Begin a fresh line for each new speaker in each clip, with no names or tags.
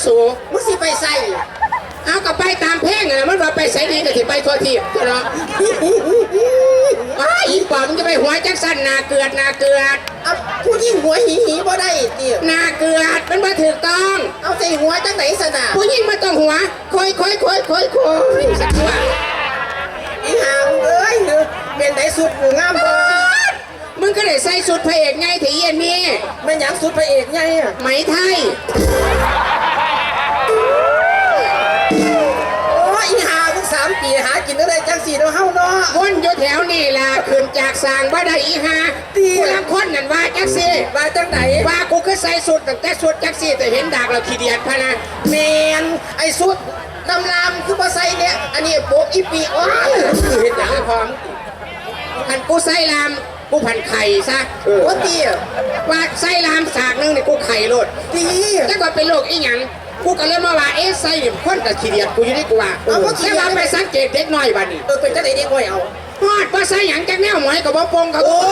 สู
มึงสิไปใส่
เอากับไปตามเพลงนะมันว่าไปใส่ดีก็ที่ไปทั่วที่ตัวเนาะอีปอบมึงจะไปหัวจักสันนาเกลือด
เอาผู้ยิ่งหัวหีบ่ได้ติ
นาเกลือดมันมาถูกต้อง
เอาใส่หัวจังไหนสนะ
ผู้ยิ่งมาต้องหัวคอยสักว่า
อีหามเอ้ยเป็นไหนสุดกูงามบ่
มึงก็ได้ใส่สุดพระเอกไงถี่เย็นนี่
แม่นหยังสุดพระเอกไงอ่ะ
ไหมไทย
อีหามึง3 ปีหากินอะไรจังสีเราเฮาเนาะ
คนอยู่แถวนี่ล่ะขึ้นจากสางว่าได้อีหากูรับคนนั่นว่าจักสิ
ว่าจังไหน
ว่ากูคือใส่สุดตั้งแต่สุดจักสิแต่เห็นดากเราขี้เดียดพะนะ
แมนไอ้สุดดำลามคือบ่ใส่เนี่ยอันนี้โบกอีปีโอ้ย
เห็นอย่างพร้อมพันกูใส่ลามกูพันไข่ซะ
ว่าตี
ว่าใส่ลามสากนึงเนี่ยกูไข่โลด
ตี
แต่ก่อนเป็นโรคอีหยังกูก็เลยมาว่าใส่เนี่ยคนกับขี้เดียดกูอยู่นี่กูว่าแต่ว่าไปสังเกตเด็กน้อยบ้านี่
เป็นจังไหนเด็กน้อยเอา
ฮอดว่าใส่หยังจังแนวหมอยกับบ่ปงกับ
โอ้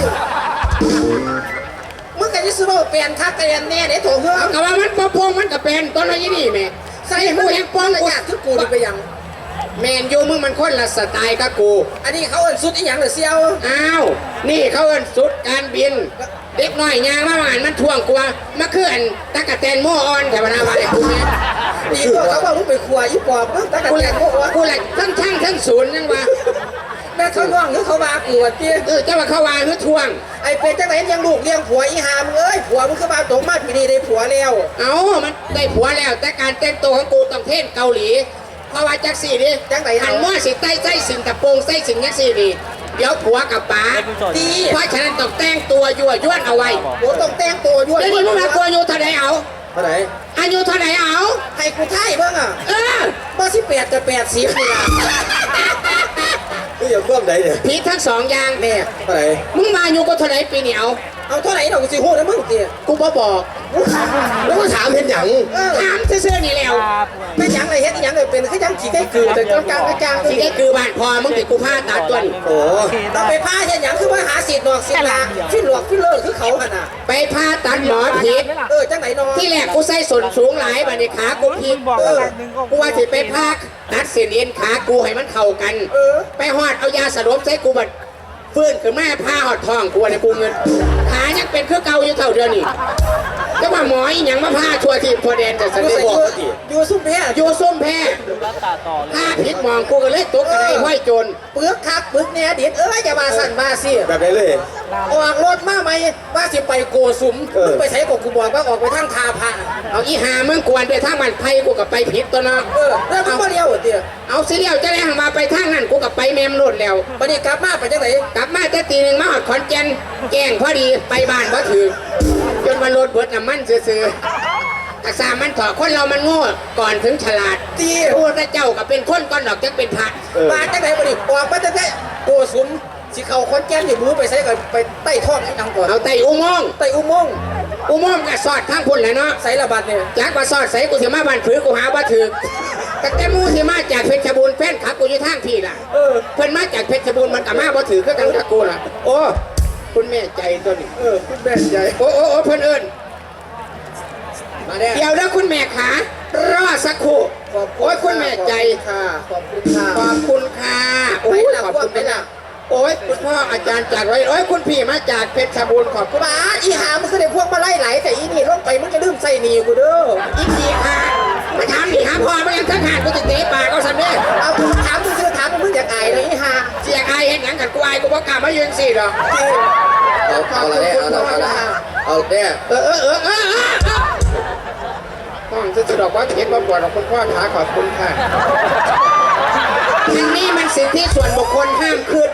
มึงกันจะซื้อว่าเปลี่ยนคักเปลี่ยนแน่เดี๋ยวโถเฮือ
กับว่ามันบ่ปงมันก็เป็นต้นอะไรนี่แม่ใส่หูแห้งปอง
เลยอยากทุกกูไปยัง
แมนยูมึงมันคนละสไตล์กับกู
อันนี้เขาเอิ้นสุดอีหยังเหรอเซียว
อ้าวนี่เขาเอิ้นสุดการบินเด็กน้อยยางมาหวานมันท่วงกว่ามาเคลื่อนตะกะแตนโมออนแต่ว่านาว่าไอ้กูแม่
นี่ก็เขาบอกมึงไปขวายอีปอบมึงตะกะแตนโมออน
กูแหละทั้งศูนย์นั่นว่า
แม่เขาล่วงหรือเขาว่ากูวะเตี้ย
เจ้าว่าเขาว่าหรือท่วง
ไอ้เป็นจังไหนยังลูกเลี้ยงผัวอีหามเอ้ยผัวมึงคือมาตกมาปีนี้ได้ผัวแล้ว
มันได้ผัวแล้วแต่การแต่งตัวของกูต้องเท่นเกาหลีเพราะว่าจักสี่ดิ
จังไหน
หันม้อสิใต้ใจสิงตะโปงใต้สิงยักสี่ดิเดี๋ยวผัวกับป๋า
ดี
เพราะฉะนั้นต้องแต่งตัวยั่วย้วนเอาไว้
โอ้ต้องแต่งตัวยั่ว
แล้วนี่มึงมาตัวอยู่เท่าไหร่เอา
เท่าไหร่
อายุเท่าไหร่เอา
ให้กูไทยเบิ่งอ่ะบ่18กับ80นี่ล่ะ
นี่อย่าควบไหนเนี่ย
ผิดทั้งสองอย่าง
แม่
เท่าไหร่
มึงมาอยู่ก็เท่าไหร่ปีนี้
เอาเท่าไหร่ดอกสิฮู้นะมึงเตี้ย
กูบ่บอก
แล้วก็ถามเห็นหยัง
ถามเสื้อนี่แล้ว
ไม่หยังอะไรเฮ็ดหยังเลยเป็นคือยังขี้ไก่คือแต่กลาง
ขี้ไก่คือบ้านพอมึงติดกูผ้าตัดตัวนี่
โอ้
ต้องไปผ้าเฮ็ดหยังคือว่าหาสิทธิ์ดอกสิทธิ์ละฟิลเลอร์คือเขาหั่นน่ะ
ไปผ้าตัดหมอผิด
จังไหนน้อง
ที่แรกกูใส่ส้นสูงหลายบัดนี้ขากูผิดกูว่าสิไปผ้าตัดเส้นเอ็นขากูให้มันเข้ากันไปฮอดเอายาสลบใส่กูบัดฟื้นขึ้นแม่ผ้าหอดทองกูในกูเงินขายังเป็นเครื่องเก่าอยู่เท่าเดิมนี่ก็ว่าหมออีหยังมาผ้าชัวทีพอแดนจะสังเกตบอก
อยู่ซุ่มแพ้
ผ้าผิดมองกูก็เลยตกกระไรห้อยจน
เปลือกคักเปลือกเนี่ยเด็ดจะมาสั่นมาสิ
แบบไหนเลย
ออกรถมาไหมว่าสิไปโกสุมไปใช้กับกูบอกว่าออกไปทางทาพา
เอาอีหามึงกวนไปทางมันไผ่กูกับไปผิดตัวน้อง
แล้วมึงมาเลี้ยวเตี๋ย
เอาสิเลี้ยวจะแรงมาไปทางนั้นกูกับไปแมมโลดแล้ว
วันนี้กลับมาไปจังไหน
กลับมาแต่ตีหนึ่งมาหอดขอนแก่นแกงพอดีไปบ้านบ่ถือจนวันรถเบิดน้ำมันซื้อๆแต่สามันถอดคนเรามันโง่ก่อนถึงฉลาด
ตี
พูดเจ้ากับเป็นคนก้อนดอกจะเป็นผัด
มาจังไหนวันนี้ออกมาจังไหนโกสุมสิเขาคนแก่นอยู่รู้ไปใช้กันไปใต้ท้องให้นังก่อน
เอาไต่อุโมงค์ก็สอดทั้งคนเลยเนาะ
ใส่ระบาดเนี่ย
จากมาสอดใส่กูเสียมาบ้านผือกูหาว่าถือแต่แกมูที่มาจากเพชรบูรณ์แฟนขับกูอยู่ทางพี่ล่ะเพิ่นมาจากเพชรบูรณ์มันกับมาบ่ถือก็กันกับกูล่ะโอ้คุณแม่ใจตัวนี้
คุณแม่ใจ
โอ้เพิ่นเอิญมาเดี๋ยวนะคุณแม่ขารอสักครู่โอ้ยคุณแม่ใจ
ค่ะขอบคุณ
ค่ะโอ้ยขอบคุณค่ะโอ้ยคุณพ่ออาจารย์จากไว้โอ้ยคุณพี่มาจากเพชรบูรณ์ขอบคุณ
บ้าอีหามันคือได้พวกมาไล่ไหลแต่อีนี่ลงไปมันจะลืมใส่หนีกูเด้อ
อีนี่ค่ะมาถามนี่หาพ่อมายังทั้งหากูจะเตะปากเอาสันเด้
เอากูถามมึงคือถามมึงอยากอายเลยอีหา
อยากอายเห็นหนังกันกูอายกูบอกกล้ามายืนสิหรอ
เอาอะไรเนี่ยเอาเนี่ย
ต้องจะดอกว่าเห็นมาปวดของคุณพ่อขาขอบคุณค่ะอันนี้มันสิทธิส่วนบุคคลห้ามขึ้น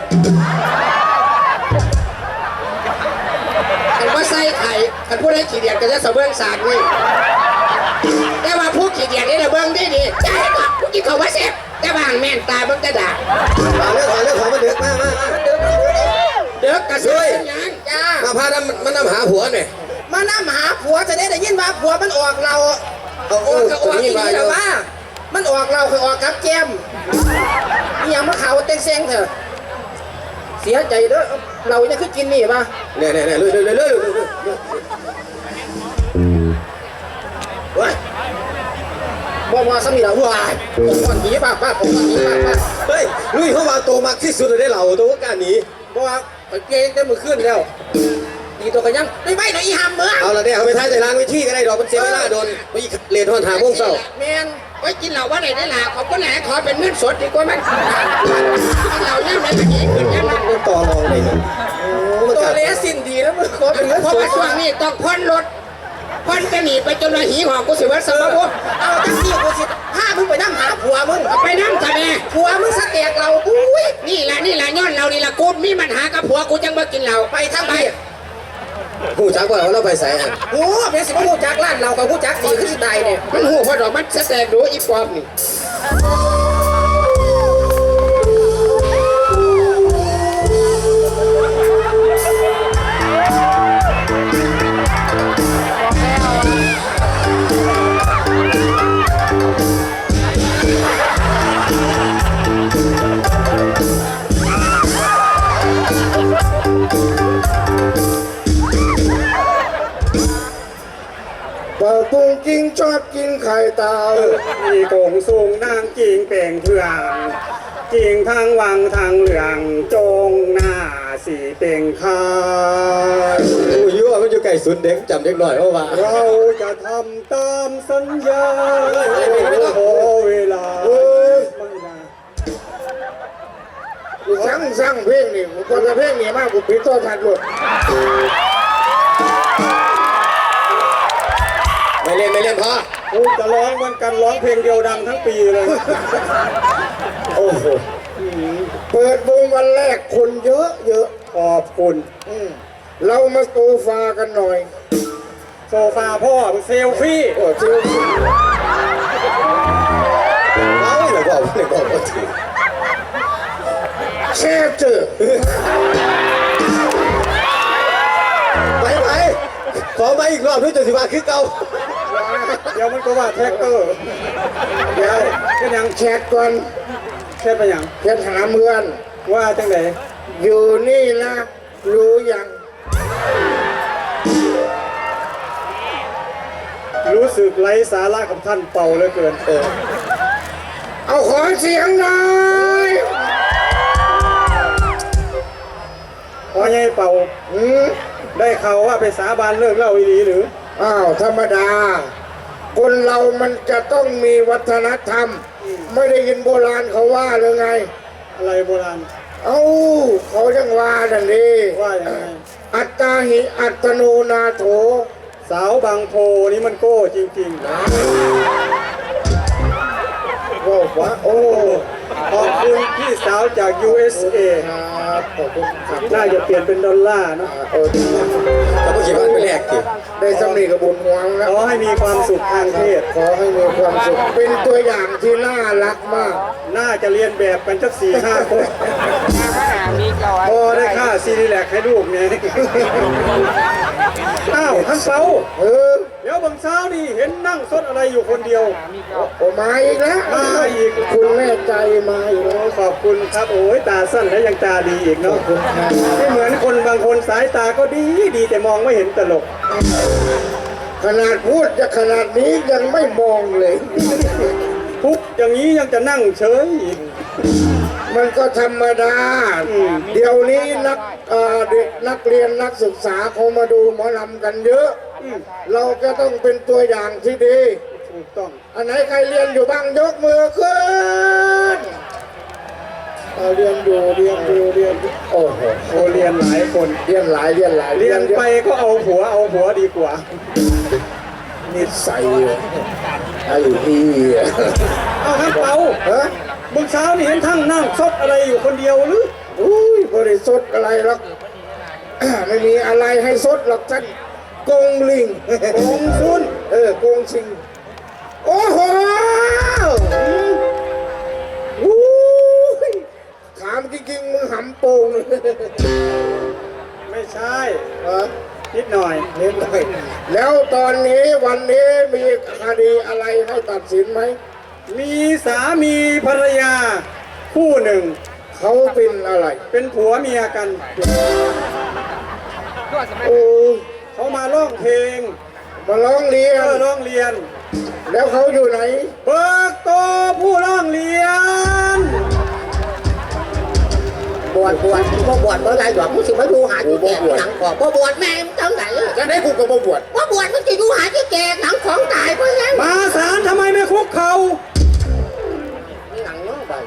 อันว่าไส้ไข่อันพูดให้ขี้เดียดก็จะเสเบิ้งสากนี่แต่ว่าพูดขี้เดียดนี่เราเบิ้งได้ดีใช่ปะพูดกินเขาว่าเสพแต่บางแม่นตาเบิ้งจะด่า
เรื่องของมันเดือดมาก
เดือดกระซวยยัง
จ้ามาพามันนำหาผัวหน่อย
มานำหาผัวจะได้ยินว่าผัวมันออกเราออกอีกทีแล้วว่ามันออกเราคือออกกับแก้มนี่ยังมาเขาเต้งเซ็งเถอะเสียใจเด้อเราเนี่ยคือกินนี่ป่ะ
เนี่ยเลยว้าย
ว่าสมีเราวายก่อนหนีป้าก่อนหนีป้า
เฮ้ยลุยเข้ามาโตมากที่สุดเลยได้เหล่าตัวการนี้
บอกว่าไปเกงได้มือขึ้นแล้วดีตัวกันยังไม่ไหวหน่อยอีหามเมือง
เอาละเนี่ยเขาไปท้ายแต่ล้างวิธีก็ได้ดอกมันเสียเวลาโดนไปเรียนทอนหาพวกเศร้า
แมน
ไว้กินเหล้าว่าไหนได้ล่ะขอบก็แหละขอเป็นเงินสดดีกว่ามั้งกินเหล้าเนี่ยมันจะดีขึ้นยังไง
มันต่อรองเลยเนี่ยโอ้มัน
ตัว
กัด
เลสินดีแล้วมึงขอเป็นเงิน
เพราะ
ส
ว่า
ด
ช่วงนี้ต้องพ่อนรถพ่อนจะหนีไปจนละหีหอกกูสิว่าสมบูรณ์
เอาจังซี่กูสิพามึงไปนั่งหาผัวมึง
เอาไปนั่งทำไม
ผัวมึงสแตกเราอุ้ย
นี่แหละย้อนเรานี่ละกูมีปัญหากับผัวกูจังมากินเหล้า
ไปทั้งไป
ผู้จักว่าเราไปใส่
โอ้เป็นสิบหูจักล้านเรากับหูจักดีขึ้นสิตายเนี่ย
มันหูพอดอกมันแสดงดูอีปอมนี่
เป่าปุงกิ้งชอบกินไข่เต่า
มีโกงสูงนางจิงเป่งเถื่องจิงทางวังทางเหลืองจงหน้าสีเป่งคาย
ผู้ยั่วมันอยู่ไก่สุนเด็กจำเด็กหน่อยว่า
เราจะทำตามสัญญาขอเวลาไม่นาน
กูสั่งเพลงนี่กูก็จะเพลงนี่มากกูผิดตัวทันหมด
ไม่เล่นพอ
กูจะร้องเหมือนกันร้องเพลงเดียวดังทั้งปีเลย
โอ้โหเปิดวงวันแรกคนเยอะเยอะ
ขอบคุณ
เรามาโซฟากันหน่อย
โซฟาพ่อเซลฟี่
โอ้ชิว
เอาเลยบอกว่าถือ
แช่เจอ
ไปขอมาอีกรอบด้วยจนสิบาคือเก่า
เดี๋ยวมันก็ว่าแท็กเตอร์
เดี๋ยว
เป็นหยัง
แชทก่อน
แค่ไปหยัง
แชทหาเพื่อน
ว่าจังไหน
อยู่นี่นะรู้ยัง
รู้สึกไร้สาระกับท่านเป่าเหลือเกิน
เอาขอเสียงหน่อย
พอไงเป่า
อืม
ได้ข่าวว่าไปสาบานเลิกเหล่าอีหลีหรือ
อ้าวธรรมดา คนเรามันจะต้องมีวัฒนธรรม ไม่ได้ยินโบราณเขาว่าหรือไง
อะไรโบราณ
เอ้าเขายังว่าดันนี้
ว่าอย่างไร
อัตตาหิอัตโนนาโถ
สาวบางโพนี่มันโก้จริง
ว่าวะโอ้
ๆ ขอบคุณพี่สาวจาก USA
ครับขอบคุณครับ
น่าจะเปลี่ยนเป็นดอลลาร์เนอะ
เออ
แล้วก็คิดว่าไปแรกกิ
ได้สำนีกับบุญหวงแล้ว
ขอให้มีความสุขทางเพศ
ขอให้มีความสุขเป็นตัวอย่างที่น่ารักมาก
น่าจะเรียนแบบกันสัก4-5 คนพอได้ค่าซีรีแลกให้ลูกเนี่ยอ้าวท่านเปา
เออ
เดี๋ยวบางเช้านี่เห็นนั่งซดอะไรอยู่คนเดียว
โอ้มาอีกแล้ว
มาอีก
คุณแม่ใจมาอีกแล้ว
ขอบคุณครับโอ้ยตาสั้นและยังตาดีอีกเนาะไม่เหมือนคนบางคนสายตาก็ดีแต่มองไม่เห็นตลก
ขนาดพูดจะขนาดนี้ยังไม่มองเลย
ทุกอย่างนี้ยังจะนั่งเฉยอีก
มันก็ธรรมดา เดี๋ยวนี้เด็กนักเรียนนักศึกษาเขามาดูหมอลำกันเยอะ เราจะต้องเป็นตัวอย่างที่ดี
ถูกต้อง
อันไหนใครเรียนอยู่บ้างยกมือขึ้นเรียนอยู่โอ้โห
โอเรียนหลายคน
เรียนหลาย
เรียนไปก็เอาผัวดีกว่า
นิสัยไอ้พี่
เอาท่านเปา
ฮะ
เมื่อเช้านี่เห็นทั้งนั่งซดอะไรอยู่คนเดียวหรือ
อุ้ยบริสุทธิ์อะไรหรอก ไม่มีอะไรให้สดหรอกท่านโกงลิง
โกงซุน
โกงชิง โอ้โหอุ้ยถามจริงๆมึงหำโป่ง
ไม่ใช่
ฮะ
นิดหน่อย
เน้นหน่อยแล้วตอนนี้วันนี้มีคดีอะไรให้ตัดสินไหม
มีสามีภรรยาคู่หนึ่ง
เขาเป็นอะไร
เป็นผัวเมียกัน
โอ้
เขามาร้องเพลง
มาร้องเรียน
ร้องเรียน
แล้วเขาอยู่ไหน
เบิกตัวผู้ร้องเรียน
บวชบ่ได้ดอกมึงสิมาดูหาที่แก่หนังของบวชแม่มึงจังไหน
จะได้กูกับบ่บวช
ว่าบวชมึงจะดูหาที่แก่หนังของตายเพราะงั้น
มาศาลทำไมไม่คุกเข่า
นี่หนังเนาะไป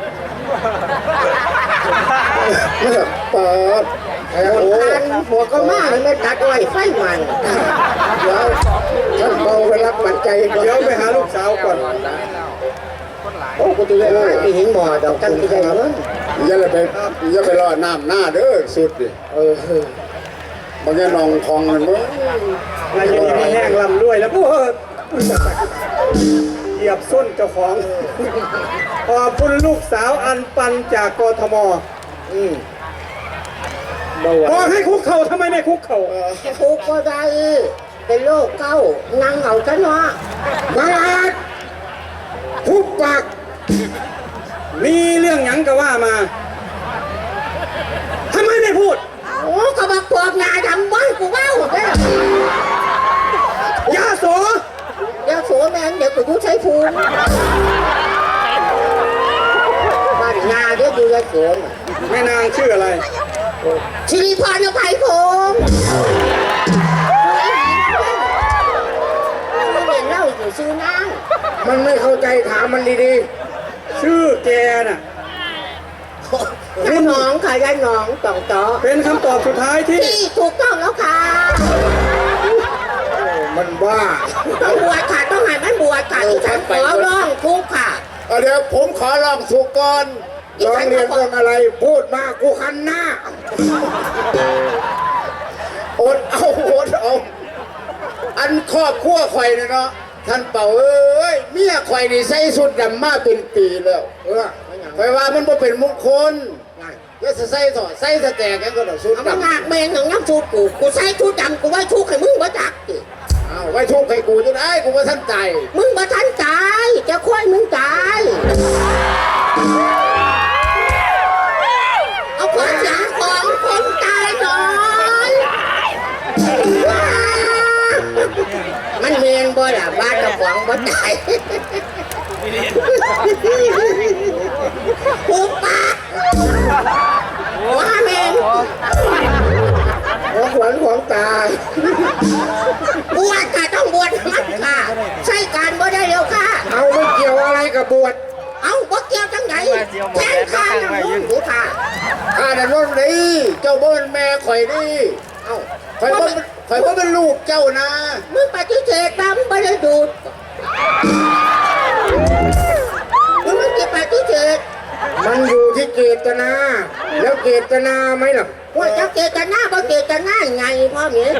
เปิดแอ้โอ้
หัวก็มาไม่ตัดอ้อยไฟมัน
เดี๋ยวฉันเมาไปรับปัจจัยก่อน
เดี๋ยวไปหาลูกสาวก่อน
โอ้กูจะได้ไปหิงหมอดอกจังที่ได้เงิน
อย่าไปรอน้ำหน้าเด้อสุดดิบางแง่นองคองมันมั้ง
นายยังมีแห้งลำด้วยแล้วพวกเหยียบส้นเจ้าของขอบคุณลูกสาวอันปันจากกทม
เบาหวา
บอก
น
ให้คุกเข่าทำไมไม่คุกเข่า
กูก็ได้เป็นโรคเก้านั่งเอาซะเนาะ
บางอาจทุบปาก
มีเรื่องหยังก็ว่ามาทำไมไม่พูด
โอ้ก็บอกปอบงาดำบ้านกูเบ้าเนี่ย
ยาโส
เดี๋ยวสัวแม่งเดี๋ยวกูใช้ภูมิบ้านงาเดี๋ยวดูแลสวน
แม่นางชื่ออะไร
ชิริพรอภัยพงศ์ไม่เห็นเล่าอยู่ชื่อนาง
มันไม่เข้าใจถามมันดี
ชื่อแกน่ะ
ยายน้องค่ะยายน้องต่องต่อ
เป็นคำตอบสุดท้ายที่
ที่ถูกต้องแล้วค่ะ
ๆมันบ้า
ต้องบวชค่ะต้องให้มันบวชค่ะที่ฉันขอร้องทุกข์ค่ะ
เอาเดี๋ยวผมขอลองสุกก่อนร้องเรียนเรื่องอะไร พูดมากูคันหน้าอดเอาอันครอบครัวข่อยเนี่ยเนาะท่านเป่าเอ้ยเมียข่อยนี่ใส่สุดดำมาเป็นปีแล้วข่อยว่ามันบ่เป็นมงคลแล้วจะใส่ต่อใส่สแตกกันก็ต่อสุด
เอา
ดำ
มาหนักเมงหนังน้ำชูกูใส่ชุดดำกูไว้ชุกให้มึงบ่จักดิ
เอาไว้ทุกข์ให้กูจะได้กูว่าท่านใจ
มึงบ่ทันตายจะค่อยมึงตายเอาขวานหลังของคนตายหน่อยมันเมียนบ่ล่ะบ้านเจ้าของบ่ตายกูปากว่าเมง
ของขวัญของตา
บวชค่ะต้องบวชมันค่ะใช่การบ่ได้เร็วค่ะ
เอาไม่เกี่ยวอะไรกับบวช
เอาบ่เกี่ยวจังไหนแทนข้าน้ำมูกดูค่ะ
ข้าแต่นนนี่เจ้าบ่เป็นแม่ข่อยนี่เอ้าข่อยบ่เป็นลูกเจ้านะ
มึงปฏิเสธมามึงไม่ได้ดูดมึงจะปฏิเสธ
มันอยู่ที่เจตนา แล้วเจตนาไหมล่ะ
ว่าจะเจตนาบ่เจตนาไงพ่อเมีย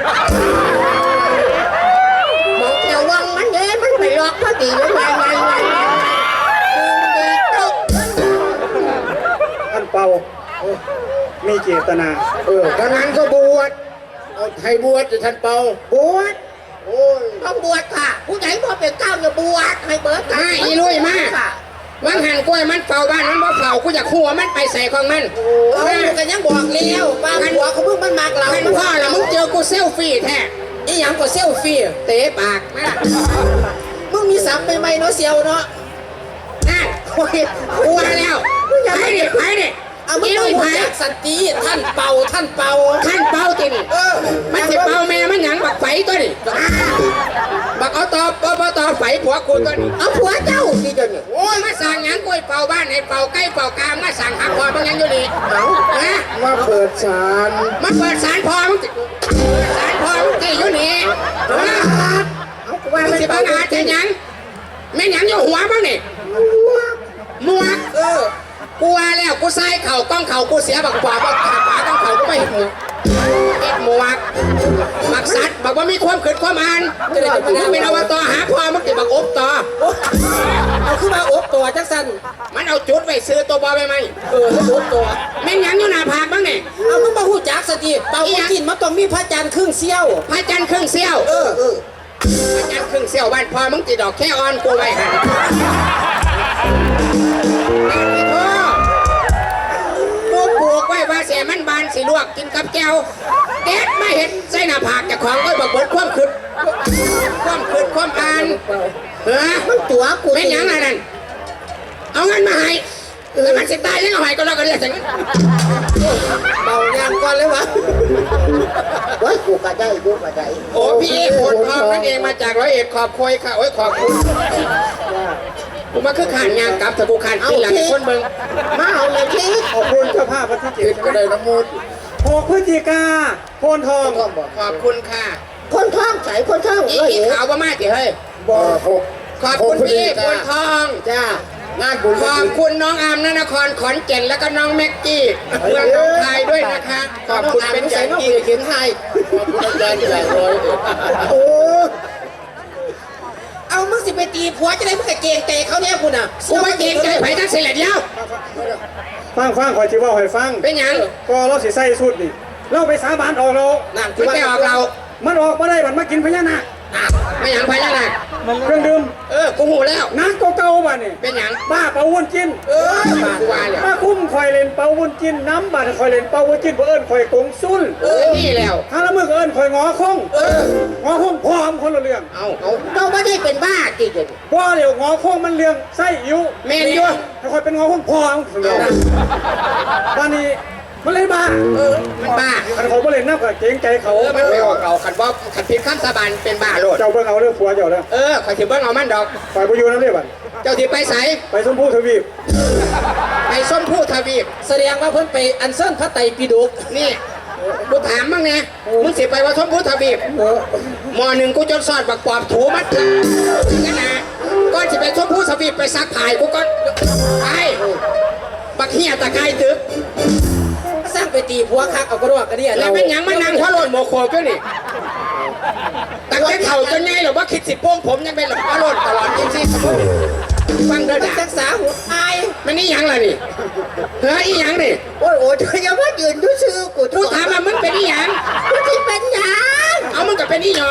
มองแถววังมันเด้มันไปหลอกพอดีแล้วไงดึงดีตก
ท่านเปามีเจตนา
ถ้างั้นก็บวชเอาใครบวชจะท่านเปาบวชโอ้ย
ต้องบวชค่ะ ผู้ใหญ่พอเป็นเก้าอย่าบวชให้เบิร์ด
มาอีลุยมา
ค่ะ
มันหันกล้วยมันเฝ้าบ้านมันบ่เฝ้ากูอยากขัวมันไปใส่ของมัน
เอากันยังบอกเลี้ยวบ้าหัวเขาเพิ่งมันมากเรา
มันพ่อละมึงเจอกูเซลฟี่แท้
อีหยังก็เซลฟี่
เตะปากมา
มึงมีสัมไปไหมเนาะเซียวเนาะ
นั่นโอ้ยกลัวแล้วไปดิ
เอามึง
อี
ต้
ลุ
อง
ย
บ
ไป
วชสันติท่านเป่า
ท่านเป่ามันสิเป่าแม่มันหยังบักไฟตัวนี่บักเอาตอบไฟผัวกูตัวนี่
เอาผัวเจ้าที่เดินเนี่ย
โอ้ยมาสั่งหยังกล้วยเป่าบ้านให้เป่าใกล้เป่ากลางมาสั่งหักคอบางยังอยู่นี่นะ
มาเปิดศาล
มาเปิดสารพอมึงสารพอมึงที่อยู่นี่
เอากูว่า
มึง
มัน
สิบั
เป่าง
อาจจะหยังแม่หยังอยู่หัวมึงนี่หมวกกูว่าแล้วกูใส่เข่ากล้องเข่ากูเสียบักกว่าบักขาขวาต้องเข่ากูไม่เห็นหมวกบักสัตว์บักว่ามีความขืนความอ่านมึงเป็นอบตหาพ่อมึงติบักอบต่อ
เอาขึ้นมาอบตัวจังสัน
มันเอาจุดไว้ซื้อตัวบอไปไหม
ให้อบตัว
แม่งหยังอยู่หน้าผากบ้างเนี่ย
เอามึงมาหูจักสติเป่ากินมันต้องมีพระจันทร์ครึ่งเสี้ยว
พระจันทร์ครึ่งเสี้ยวพระจันทร์ครึ่งเสี้ยวบ้านพ่อมึงติดอกแค่อ่อนกูไว้หันกูปลูกไว้ว่าเสียมันบานสีลวกกินกับแก้วเด็ดไม่เห็นใส่หน้าผากจากของก็บอกเบิดความคืดความอ่านเฮ้ย
มันตัวกู
ไม่หยังอะไรนั่นเอาเงินมาให้แล้วมันสิตายยังเอาให้ก็แล้วกันเรียกถึง
เบาแรงก่อนเลยวะเฮ้ยกูกระได้กูกระได้
โอ้พี่โคนทองนั่นเองมาจากร้อยเอ็ดขอบคุยค่ะโอ้ยขอบคุณกูมาคือขานยางกลับแต่กูขานที่หลังคนเบิ่ง
มาเอาเลยที่
ขอบคุณเจ้าภาพวันที่
คิดก็ได้น้ำมูด
6 พฤศจิกาโพนทอง
ขอบคุณค่ะ
คนท้องใส่คนท้อง
อี
เอ้ย
ขาวบ่มากสิเฮ้ย
หก
ขอบคุณพี่โคนทอง
จ้าง
านบุญ
ขอบคุณน้องอามนนครขอนแก่นแล้วก็น้องแม็กกี้เมืองหนองคายด้วยนะคะ ขอบคุณเป็นอย่าง
น้อง
ยิ่ง
เขียนให้
ขอบคุณอาจารย์จากร้อยเอ็ด
โอ้เอามึงสิไปตีผัวจะได้มึงกะเกงเตะเขาเนี่ยคุณอ่ะ
กูว่าเกรงใจไผ่ทั้งเสร็จแล้ว
ฟังขอจิว่าให้ฟัง
เป็นหยัง
ก็เราสิใส่สุดนี่เราไปสาบานออกเรา
นั่นคุณไม่ออกเรา
มันออกมาได้มันมากินพญานาค
ไม่หยังพญานาค
เครื่องดื่ม
กูหูแล้ว
นักเก่าๆบ้านนี่
เป็นหยัง
บ้าเป่าวุ้นกิน
กูว่าแล้ว
มาคุ้มคอยเล่นเป่าวุ้นกินน้ำบาดคอยเล่นเป่าวุ้นกินเพื่อเอิญคอยกงซุ่น
นี่แล้ว
ถ้าละมือก็เอิญคอยงอคงงอคงพร้อมคนละเรื่อง
เอา
เราไม่ได้เป็นบ้าจริง
ว่าเดี๋ยวงอคงมันเรื่องไส้อิ๋ว
เมนอยู่
ถ้าคอยเป็นงอคงพร้อมบ้านนี้มันเลยบ้า
มันบ้า
คันเขาบ่เล่นน้ำกับเกรงใจเขา
มันไม่ออกเราขันบอกขันผิดคำสาบานเป็นบ้าโลด
เจ้าเบิ่งเอาเรื่องผัวเจ้าเด้อ
ขอยถือเบิ้งเอามันดอก
ฝ่ายประยูน้ำเรียบัน
เจ้าที่ไปใส
ไปสมพูทวีป
ไปส้มผู้ทวีป
แสดงว่าเพิ่นไปอันเซินพระไตรปิฎก
นี่กูถามมั่งไงมึงสิไปว่าส้มผู้ทวีปมอหนึ่งกูจนสอดบักปอบถูมัดกันนะก้อนสิไปส้มผู้ทวีปไปซักผ้ากูก็ไปบักเฮียตะไคร้ตึก
สร้างไปตีผัวคักเอากระรอกกระเดีย
แล้วเป็นหยังมันนั่งหัวโลนโมโคก็นี่ตั้งแต่เข่าจนไงหรอว่าคิดสิโป้งผมยังเป็นหลหัวโลนตลอดจริงๆฟังเด้อ
มัน
ด่า
ศึกษาหัวอาย
มันนี่หยังล่ะนี่เฮ้ยอีหยังนี่
โอ้ยโอ้ยอย่าว่ายืนดูชื่อกู
กูถามว่ามึงเป็นอีหยัง
กูที่เป็นหยัง
เอามึงก็เป็นอีหยอง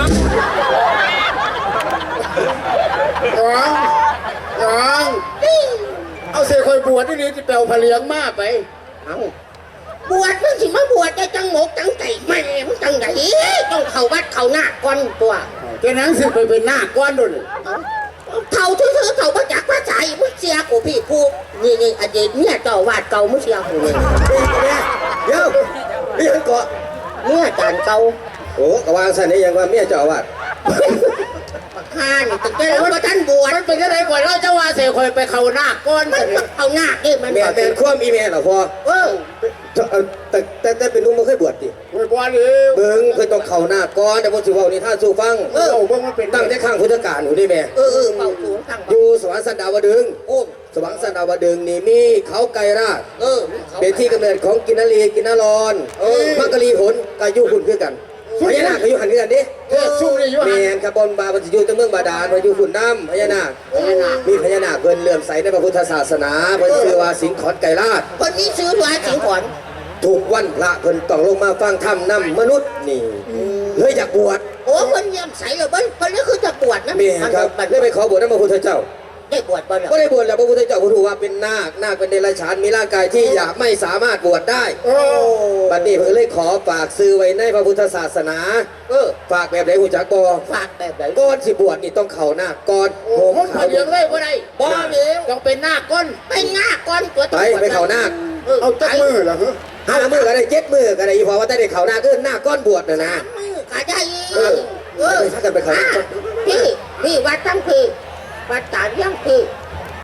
น้องเอาเสียคอยบวชที่นี่ที่เปลวพะเลียงมาไป
เอาบวชมึงสิมาบวชจะจังหมกจังไก่แม่มึงจังไดต้องเข้าวัดเข้าหน้าก่อนตัว
แกนั้นสิไปเป็นหน้าก้อนด้วย
เท่าทื่อๆเท่ามาจากพระใจมึงเสียกูพี่กูนี่อดีตเนี่ยเจ้าวาดเก่ามึงเสียกูเลย
เดี๋ยวนี่ยังเกาะ
เนี่ยจานเก่า
โอ้กะวางสันนี่ยังว่าเมียเจ้าอาวาด
ข้านี่ตั้งแต่แล้วว่าท่านบวช
มันเป็นยังไงก่อนเราจะว่าเสียคอยไปเข้าหน้าก้อน
มัน
กัน
เอาหน้านี่มัน
แม่เป็นความอีเมลเหรอพ่อ แต่เป็นนุ่มมันเคยบวชดิ
คอยบวชเลย
เบิ่งเคยต้องเข่าหน้าก่อนแต่พอสิเว้านี่ท่านสู้ฟัง
เบิ่งมันเป็น
ตั้งแต่ข้างพุทธกาลหนูนี่แม่
เเป่าสูงตั้ง
อยู่สวรรค์สันดาวดึงส์
โอ้
สวรรค์สันดาวดึงส์นี่มีเขาไกรราช
ขา
เป็นที่กำเนิดของกินนารีกินนารอนมักกะลีผลกายุหุ่นคือกันพญานาคก็อยู่หันคือกันดิ
ซุ่มนี่อยู่
แม
หัน
นคาร์บอนบาบันอยู่ตั้งเมืองบาดาลมาอยู่หุ่นน้ำพญานาคมีพญานาคเพิ่นเลื่อมใสในพระพุทธศาสนาเพิ่นชื่อว่าสิงห์ขอนไกรราช
คนนี้ซื้อมาสิงขอน
ถูกวันพระเพิ่นต้องลงมาฟังธรรมนำมนุษย์นี่เลยอยากบวช
โอ้คนเยี่ยมใสเลยเบิ้ลคนนี้คือจะบวชนะ
แม่ครับเลยไปขอบวชนำพระพุทธเจ้า
ได้บวชบ่
ก็ได้บวชแล้วพระพุทธเจ้าผู้ถูกว่าเป็นนาคนาคเป็นเดรัจฉานมีร่างกายที่อยากไม่สามารถบวชได้
โอ้
บัดนี้เพิ่นเลยขอฝากซื้อไว้ในพระพุทธศาสนาฝากแบบไหนหูจักบ่
ฝากแบบไหน
ก่อนสิบวชนี่ต้องเข้านาคก่อน
โหมันเขาเลี้ยงเลยบ่ได้บ่เลี้ยงต้องเป็นหน้าก้อน
เป็นหน้าก่อนตัว
ไปเข้านาค
เอาจักมือเหรอฮะ
5 มื้อก็ได้7 มื้อก็ได้อีพอว่าแต่ได้เข้านาคคือนาคก่อนบวชน่ะนะ
มือขาได้
ไปถ้ากันไปเข้านาคก่อน
พี่วัดตั้งคือวัดตาเลี้ยง